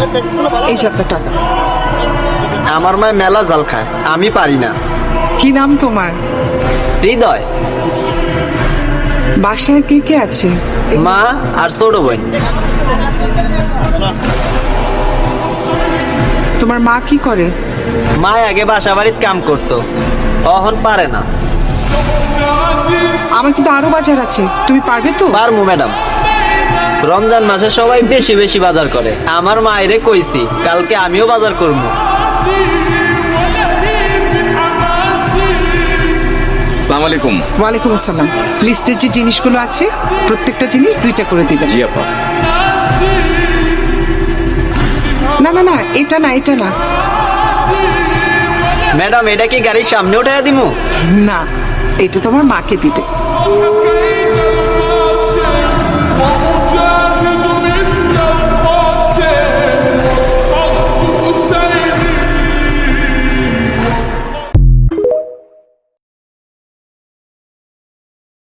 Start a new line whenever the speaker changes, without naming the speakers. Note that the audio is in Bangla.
এই যে আপনার টাকা।
আমার মায় মেলা জাল খায়, আমি পারি না।
কি নাম তোমার?
হৃদয়।
বাসায় কে কে আছে?
মা আর ছোট বোন।
তোমার মা কি করে?
মা আগে বাসা বাড়ির কাম করতো, এখন পারে না।
আমার কিন্তু আরো বাজার আছে, তুমি পারবে তো?
পারমু ম্যাডাম। রমজান মাসে সবাই বেশি বেশি বাজার করে, আমার মায়েরে কইছি কালকে আমিও বাজার করবো।
আসসালামু আলাইকুম।
ওয়ালাইকুম আসসালাম। লিস্টের যে জিনিসগুলো আছে প্রত্যেকটা জিনিস 2টা করে দিবেন।
জি আপা।
না না না, এটা না, এটা না।
ম্যাডাম এটা কি গাড়ির সামনে উঠাইয়া দিমু?
না, এটা তোমার মাকে দিবে।